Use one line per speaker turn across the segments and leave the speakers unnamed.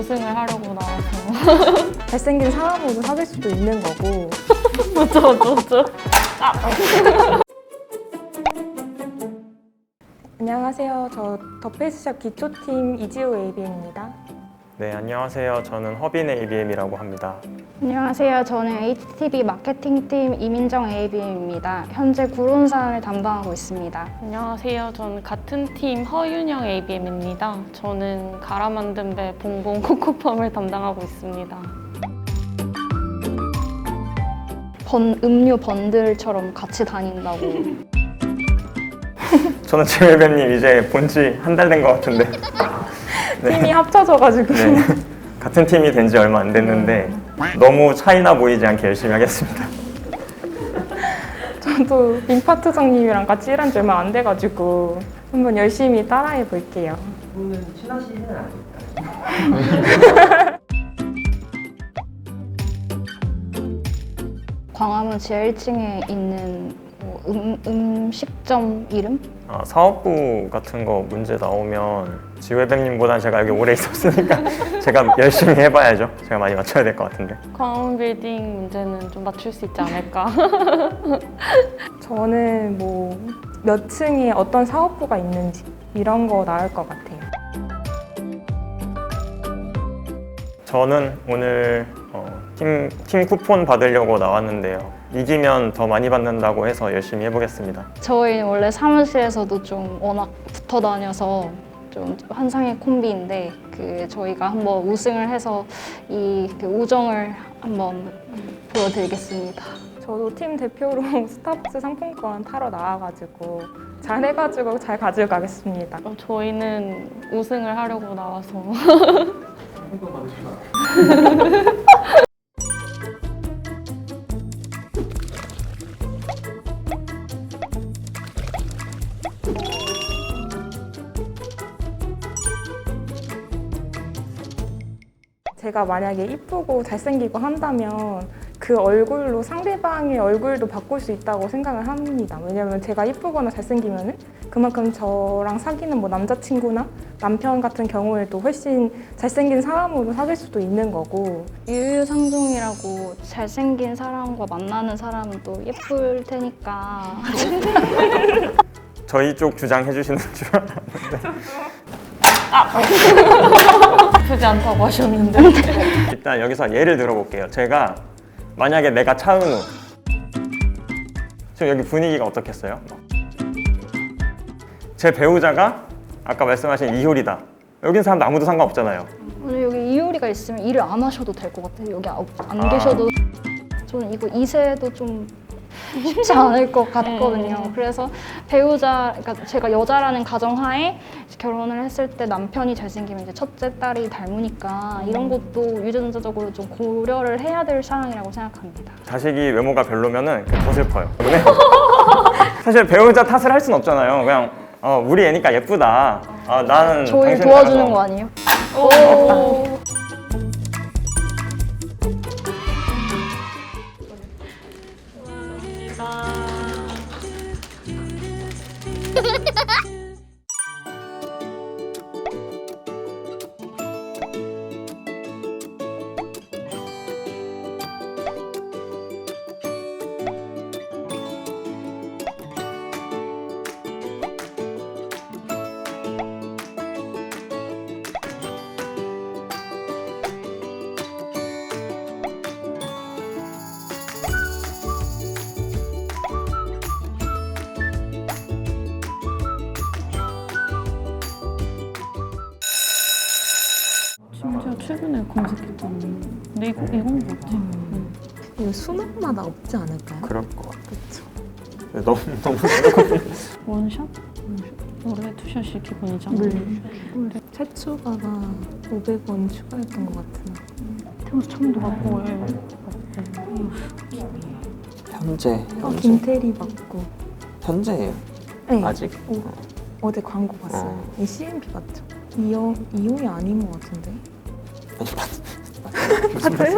우승을 하려고 나와서.
잘생긴 사람으로 사귈 수도 있는 거고.
맞죠.
안녕하세요. 저 더페이스샵 기초팀 이지우 ABM입니다.
네, 안녕하세요. 저는 허빈의 ABM이라고 합니다.
안녕하세요. 저는 HTB 마케팅팀 이민정 ABM입니다. 현재 구론산을 담당하고 있습니다.
안녕하세요. 저는 같은 팀 허윤영 ABM입니다. 저는 갈아 만든 배 봉봉 코코팜을 담당하고 있습니다.
음료 번들처럼 같이 다닌다고.
저는 지우배님 이제 본 지 한 달 된 것 같은데
팀이 합쳐져가지고.
네, 같은 팀이 된 지 얼마 안 됐는데 너무 차이나 보이지 않게 열심히 하겠습니다.
저도 민파트장님이랑 같이 일한 지 얼마 안 돼가지고 한번 열심히 따라해 볼게요.
분은 친하시는 아닐까요?
광화문 지하 1층에 있는 음식점 이름?
사업부 같은 거 문제 나오면 지우배님보다 제가 여기 오래 있었으니까 제가 열심히 해봐야죠. 제가 많이 맞춰야 될 것 같은데.
광화문 빌딩 문제는 좀 맞출 수 있지 않을까.
저는 뭐 몇 층에 어떤 사업부가 있는지 이런 거 나올 것 같아요.
저는 오늘 팀 쿠폰 받으려고 나왔는데요. 이기면 더 많이 받는다고 해서 열심히 해보겠습니다.
저희는 원래 사무실에서도 좀 워낙 붙어 다녀서 좀 환상의 콤비인데 저희가 한번 우승을 해서 이 우정을 한번 보여드리겠습니다.
저도 팀 대표로 스타벅스 상품권 타러 나와가지고 잘해가지고 잘 가지고 가겠습니다.
저희는 우승을 하려고 나와서.
상품 받으시나?
제가 만약에 이쁘고 잘생기고 한다면 그 얼굴로 상대방의 얼굴도 바꿀 수 있다고 생각을 합니다. 왜냐면 제가 이쁘거나 잘생기면은 그만큼 저랑 사귀는 뭐 남자친구나 남편 같은 경우에도 훨씬 잘생긴 사람으로 사귈 수도 있는 거고.
유유상종이라고 잘생긴 사람과 만나는 사람은 또 예쁠 테니까.
저희 쪽 주장해 주시는 줄 알았는데
아프지 않다고 하셨는데.
일단 여기서 예를 들어볼게요. 제가 만약에 내가 차은우, 지금 여기 분위기가 어떻겠어요? 제 배우자가 아까 말씀하신 이효리다. 여긴 사람 아무도 상관없잖아요.
오늘 여기 이효리가 있으면 일을 안 하셔도 될 것 같아요. 여기 안 계셔도. 저는 이거 이세도 좀 쉽지 않을 것 같거든요. 그래서 배우자, 그러니까 제가 여자라는 가정하에 결혼을 했을 때 남편이 잘생기면 이제 첫째 딸이 닮으니까 이런 것도 유전자적으로 좀 고려를 해야 될 사항이라고 생각합니다.
자식이 외모가 별로면은 더 슬퍼요. 사실 배우자 탓을 할 순 없잖아요. 그냥 우리 애니까 예쁘다. 나는
저희
당신
도와주는
따라서.
거 아니에요?
오. 심지어 최근에 검색했잖아. 근데 이건 뭐지?
이거 수능마다 없지 않을까요?
그럴 것 같아.
그렇죠.
너무
원샷? 올해 투샷이 기본이잖아.
네. 최초가가 500원 추가했던 것 같은.
태워서 처음 들어봤고.
현재
김태리 맞고.
현재예요.
네.
아직
어제 광고 봤어요. 이 CMP 맞죠? 이용이 아닌 것 같은데.
아니
맞아요?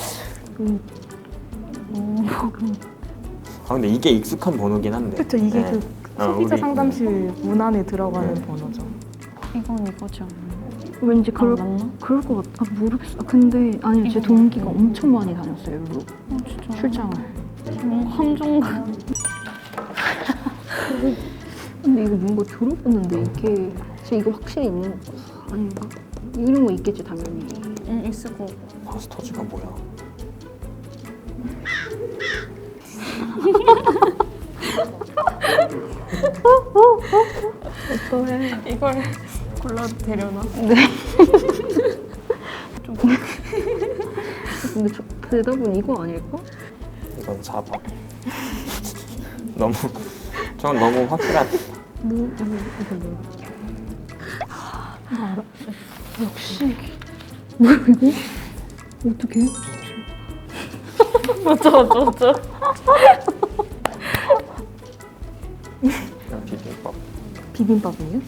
근데 이게 익숙한 번호긴 한데.
그렇죠. 이게
네.
그 소비자
우리-
상담실 문 안에 들어가는 번호죠.
이건 이거지 않나?
왠지
안 맞나?
그럴 것 같아. 아, 모르겠어. 아, 근데 아니요, 제 동기가 엄청 많이 다녔어요, 일로
진짜.
출장을.
함정가.
근데 이거 뭔가 들어봤는데 이게 진짜 이거 확실히 있는 거 아닌가? 이런 거 있겠지 당연히.
있을 거.
마스터즈가 뭐야?
어떠해?
이걸 골라도 되려나?
근데 대답은 이거 아닐까?
이건 4번. 너무 전 너무 확실한.
이거 뭐야? 나 알아? 역시 뭐야 이거? 어떡해?
맞아.
그냥 비빔밥.
비빔밥이에요?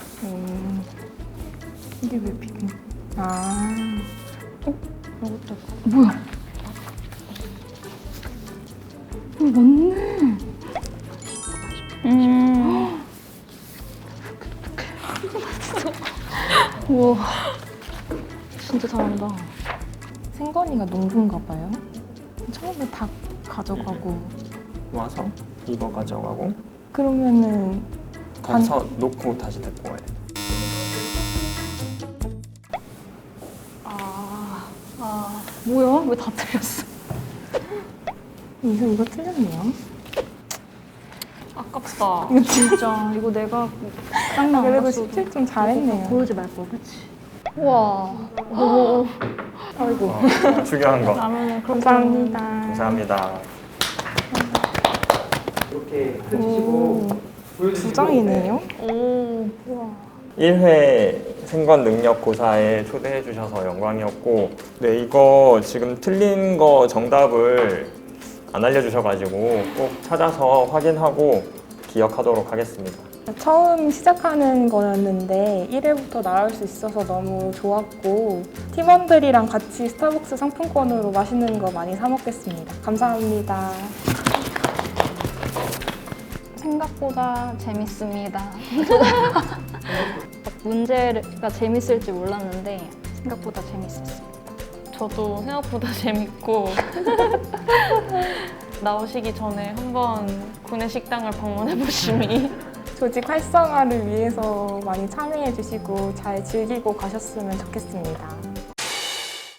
이게 왜 비빔? 아,
뭐야? 맞네. 우와, 진짜 잘한다.
생건이가 농부인가 봐요. 처음에 닭 가져가고
와서 이거 가져가고
그러면은
가서 놓고 다시 데리고 와야 돼.
뭐야? 왜 다 틀렸어?
이거 틀렸네요.
아깝다.
진짜 이거 내가 짱나
그래도 17점 잘했네요.
보여주지 말걸, 그치? 우와.
아이고,
중요한 거.
라면은
감사합니다.
감사합니다.
이렇게 펼치시고
두 장이네요.
오.
1회 생관 능력 고사에 초대해 주셔서 영광이었고, 네, 이거 지금 틀린 거 정답을 안 알려주셔가지고 꼭 찾아서 확인하고 기억하도록 하겠습니다.
처음 시작하는 거였는데 1회부터 나올 수 있어서 너무 좋았고 팀원들이랑 같이 스타벅스 상품권으로 맛있는 거 많이 사 먹겠습니다. 감사합니다.
생각보다 재밌습니다. 문제가 재밌을지 몰랐는데 생각보다 재밌었어요.
저도 생각보다 재밌고 나오시기 전에 한번 구내식당을 방문해 보심이
조직 활성화를 위해서 많이 참여해 주시고 잘 즐기고 가셨으면 좋겠습니다.